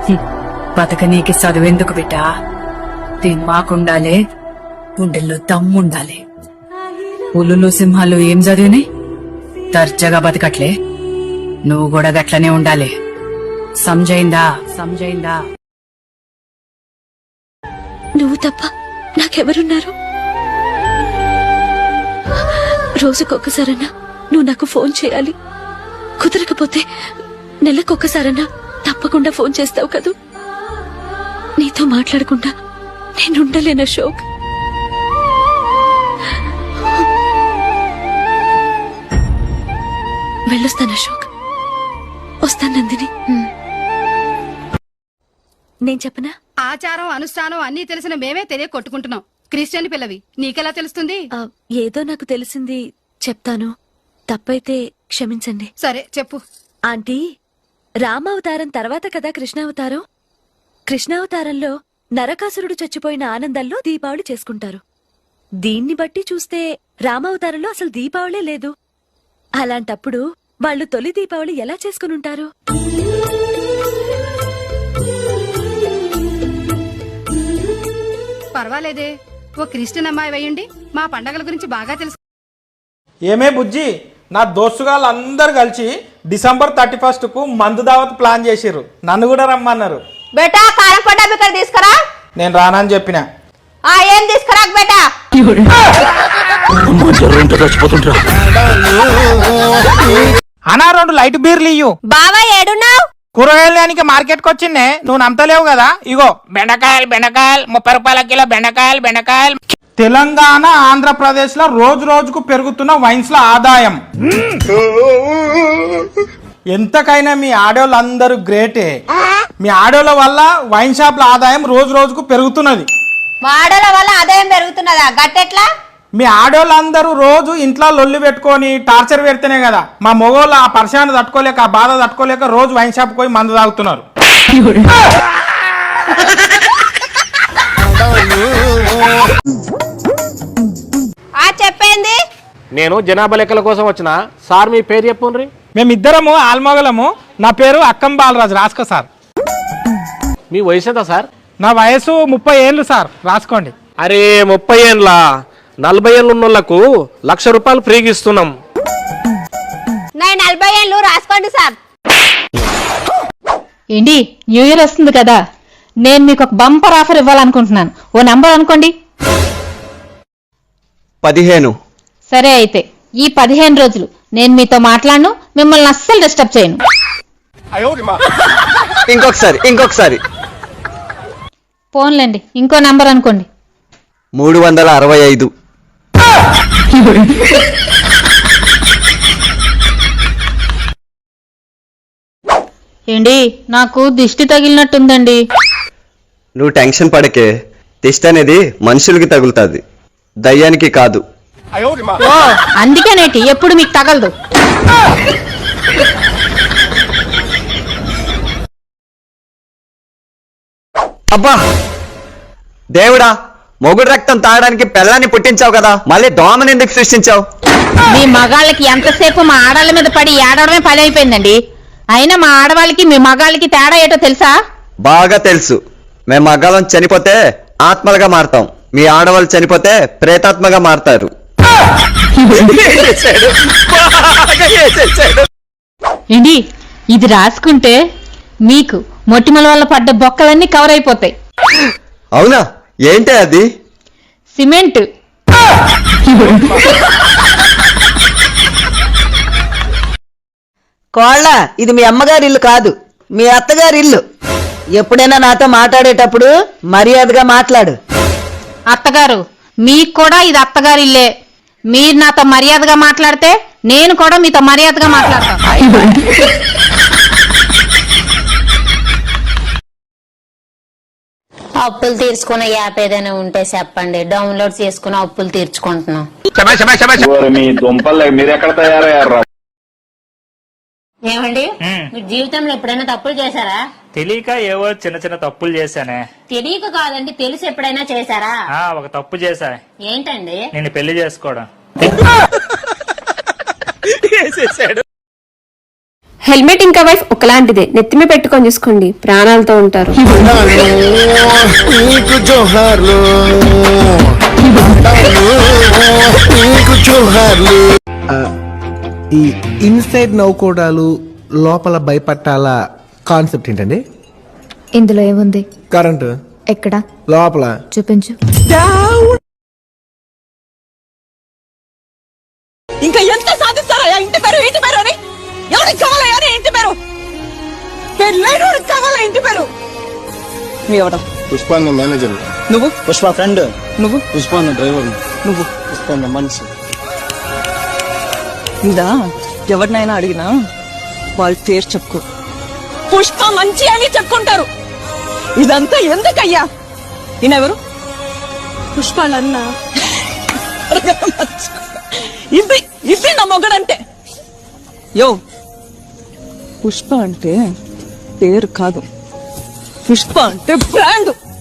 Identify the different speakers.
Speaker 1: బతకనీకి చదువెందుకు బిడ్డా? దీని మాకుండాలే, గుండెల్లో దమ్ముండాలి. పులులు సింహాలు ఏం చదివినాయి? దర్జాగా బతకట్లే. నువ్వు కూడా గట్లనే ఉండాలి. సంజయిందా?
Speaker 2: నువ్వు తప్ప నాకెవరున్నారు? రోజుకొక్కసారన్నా నువ్వు నాకు ఫోన్ చేయాలి. కుదరకపోతే నెలకొక్కసారన్నా తప్పకుండా ఫోన్ చేస్తావు కదూ. నీతో మాట్లాడకుండా నేనుండలేను అశోక్. వెళ్ళొస్తాను అశోక్. వస్తాను నందిని. నేను చెప్పనా?
Speaker 3: ఆచారం అనుష్ఠానం అన్నీ తెలిసిన మేమే తెలియ కొట్టుకుంటున్నాం. క్రిస్టియన్ పిల్లవి నీకెలా తెలుస్తుంది?
Speaker 2: ఏదో నాకు తెలిసింది చెప్తాను. తప్పైతే క్షమించండి.
Speaker 3: సరే చెప్పు.
Speaker 2: ఆంటీ, రామావతారం తర్వాత కదా కృష్ణావతారం. కృష్ణావతారంలో నరకాసురుడు చచ్చిపోయిన ఆనందంలో దీపావళి చేసుకుంటారు. దీన్ని బట్టి చూస్తే రామావతారంలో అసలు దీపావళే లేదు. అలాంటప్పుడు వాళ్ళు తొలి దీపావళి ఎలా చేసుకునుంటారు?
Speaker 3: పర్వాలేదే, ఓ క్రిస్టియన్ అమ్మాయి వేయండి. మా పండగల గురించి బాగా తెలుసు.
Speaker 4: ఏమే బుజ్జి, నా దోస్తుగాళ్ళు అందరు కలిసి డిసెంబర్ 31 కు మందు దావత్ ప్లాన్ చేసిర్రు. నన్ను కూడా రమ్మన్నారు.
Speaker 5: బేటా కారం పడ్డా ఇక్కడ తీసుకురా.
Speaker 4: నేను రానని చెప్పిన.
Speaker 5: ఏం తీసుకురా బేటా?
Speaker 4: అనా 2 లైట్ బీర్లు ఇయ్యు.
Speaker 5: బావా ఏడున్నావు?
Speaker 4: కూరగాయలకి మార్కెట్ కి వచ్చిందే, నువ్వు నమ్మతలేవు కదా. ఇగో బెండకాయలు 30 రూపాయల కిలో బెండకాయలు. తెలంగాణ ఆంధ్రప్రదేశ్ లో రోజు రోజుకు పెరుగుతున్న వైన్స్ ల ఆదాయం. ఎంతకైనా మీ ఆడోళ్ళందరూ గ్రేటే. మీ ఆడోళ్ళ వల్ల వైన్ షాప్ల ఆదాయం రోజు రోజుకు పెరుగుతున్నది.
Speaker 5: మాడల వల్ల ఆదాయం పెరుగుతున్నదా? గట్టెట్లా?
Speaker 4: మీ ఆడోళ్ళందరూ రోజు ఇంట్లో లొల్లి పెట్టుకొని టార్చర్ పెడితేనే కదా మా మొగోళ్ళు ఆ పర్షాన్ని తట్టుకోలేక, ఆ బాధ తట్టుకోలేక రోజు వైన్ షాప్ పోయి మందు తాగుతున్నారు.
Speaker 5: చెప్పేంది?
Speaker 6: నేను జనాభా లెక్కల కోసం వచ్చిన సార్. మీ పేరు చెప్పుండ్రి.
Speaker 4: మేమిద్దరము ఆల్మొగలము. నా పేరు అక్కం బాలరాజు. రాసుకో సార్.
Speaker 6: మీ వయసు ఎంత సార్?
Speaker 4: నా వయసు 30 ఏళ్ళు సార్. రాసుకోండి.
Speaker 6: అరే 30 ఏండ్ల 40 ఏళ్ళు ఉన్నోళ్లకు ₹1,00,000 ఫ్రీగా ఇస్తున్నాం.
Speaker 5: నేను 40 ఏళ్ళు. రాసుకోండి సార్.
Speaker 7: ఏంటి, న్యూ ఇయర్ వస్తుంది కదా, నేను మీకు ఒక బంపర్ ఆఫర్ ఇవ్వాలనుకుంటున్నాను. ఓ నంబర్ అనుకోండి.
Speaker 8: 15.
Speaker 7: సరే, అయితే ఈ 15 రోజులు నేను మీతో మాట్లాడను, మిమ్మల్ని అస్సలు డిస్టర్బ్ చేయను.
Speaker 8: ఇంకొకసారి
Speaker 7: ఫోన్లేండి, ఇంకో నంబర్ అనుకోండి.
Speaker 8: 365.
Speaker 7: ఏంటి, నాకు దిష్టి తగిలినట్టుందండి.
Speaker 8: నువ్వు టెన్షన్ పడకే. దిష్టి అనేది మనుషులకి తగులుతుంది, దయ్యానికి కాదు.
Speaker 7: ఓ, అందుకేనేటి ఎప్పుడు మీకు తగలదు.
Speaker 8: అబ్బా దేవుడా, మొగుడు రక్తం తాగడానికి పిల్లాన్ని పుట్టించావు కదా, మళ్ళీ దోమని ఎందుకు సృష్టించావు?
Speaker 7: మీ మగాళ్ళకి ఎంతసేపు మా ఆడాళ్ళ మీద పడి ఏడవడమే పని అయిపోయిందండి. అయినా మా ఆడవాళ్ళకి మీ మగాళ్ళకి తేడా ఏటో తెలుసా?
Speaker 8: బాగా తెలుసు. మేము మగాళ్ళం చనిపోతే ఆత్మలుగా మారతాం, మీ ఆడవాళ్ళు చనిపోతే ప్రేతాత్మగా మారతారు.
Speaker 7: ఏంటి, ఇది రాసుకుంటే మీకు మొటిమల వల్ల పడ్డ బొక్కలన్నీ కవర్ అయిపోతాయి.
Speaker 8: అవునా? ఏంటి అది?
Speaker 7: సిమెంట్.
Speaker 9: కోళ్ళ, ఇది మీ అమ్మగారి ఇల్లు కాదు, మీ అత్తగారి ఇల్లు. ఎప్పుడైనా నాతో మాట్లాడేటప్పుడు మర్యాదగా మాట్లాడు.
Speaker 7: అత్తగారు, మీకు కూడా ఇది అత్తగారి ఇల్లే. మీరు నాతో మర్యాదగా మాట్లాడితే నేను కూడా మీతో మర్యాదగా మాట్లాడతాను.
Speaker 10: అప్పులు తీర్చుకునే యాప్ ఏదైనా ఉంటే చెప్పండి, డౌన్లోడ్ చేసుకుని అప్పులు తీర్చుకుంటున్నాం.
Speaker 11: మీరు ఎక్కడ తయారయ్యారా?
Speaker 10: ఏమండి, మీరు జీవితంలో ఎప్పుడైనా తప్పులు చేశారా?
Speaker 12: తెలియక ఏవో చిన్న చిన్న తప్పులు చేశానే.
Speaker 10: తెలియక కాదండి, తెలిసి ఎప్పుడైనా చేశారా?
Speaker 12: ఒక తప్పు చేశా.
Speaker 10: ఏంటండి?
Speaker 12: నేను పెళ్లి చేసుకోవడం.
Speaker 5: హెల్మెట్ ఇంకా వైఫ్ ఒకలాంటిదే, నెత్తిమే పెట్టుకొని చూసుకోండి, ప్రాణాలతో ఉంటారు.
Speaker 11: ఈ ఇన్సైడ్ నవ్వుకోవడాలు లోపల భయపట్టాల కాన్సెప్ట్ ఏంటండి?
Speaker 5: ఇందులో ఏముంది?
Speaker 11: కరెంటు
Speaker 5: ఎక్కడ?
Speaker 11: లోపల.
Speaker 5: చూపించు.
Speaker 9: ఇంకా ఎంత సాధిస్తారా ఇంటి పేరు ఇంటి పేరు అని? ఎవరికి కావాలా అని ఇంటి పేరు? పెళ్ళైనోడికి కావాలా ఇంటి పేరు? ఎవడం?
Speaker 11: పుష్ప మేనేజర్.
Speaker 9: నువ్వు?
Speaker 11: పుష్ప ఫ్రెండ్.
Speaker 9: నువ్వు?
Speaker 11: పుష్ప డ్రైవర్.
Speaker 9: నువ్వు?
Speaker 11: పుష్ప మనిషి.
Speaker 9: ఇదా ఎవరినైనా అడిగినా వాళ్ళ పేరు చెప్పుకో, పుష్ప మంచి అని చెప్పుకుంటారు. ఇదంతా ఎందుకయ్యా? ఈయనెవరు? పుష్పాలన్నా. ఇది ఇది నా మొగడంటే. యో, పుష్ప అంటే పేరు కాదు, పుష్ప అంటే బ్రాండ్.